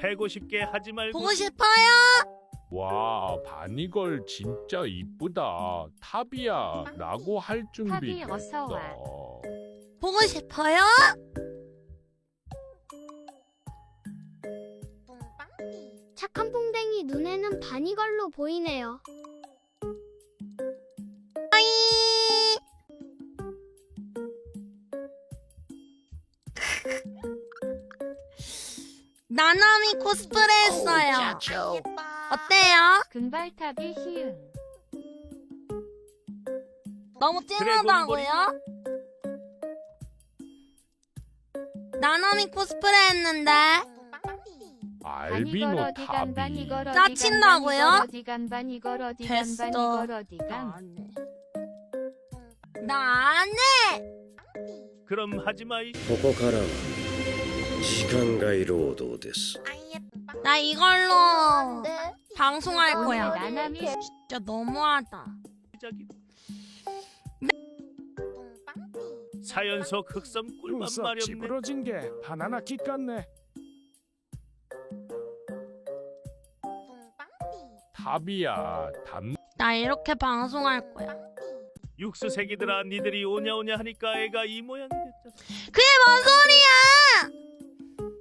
패고 싶게 하지 말고. 보고 싶어요? 와, 바니걸 진짜 이쁘다. 탑이야 라고 할 준비 탑이 어서 와. 됐어. 보고 싶어요? 착한 퐁댕이 눈에는 바니걸로 보이네요. 나나미 코스프레 했어요. 어때요? 금발탑이 희응. 너무 찐하다고요? 나나미 코스프레 했는데 알비노 탑이. 짜친다고요? 됐어. 나 안 해! 그럼 하지 마이. ここからは時間外労働です。 나 이걸로 방송할 거야. 나나미 진짜 너무하다. 시작이. 사연 속 흑섬 꿀맛 눈썹 마렵네. 찌부러진 게 바나나 깃 같네. 탑이야 담. 나 이렇게 방송할 거야. 육수새끼들아, 니들이 오냐오냐 하니까 애가 이 모양이 됐잖아. 그게 뭔 소리야!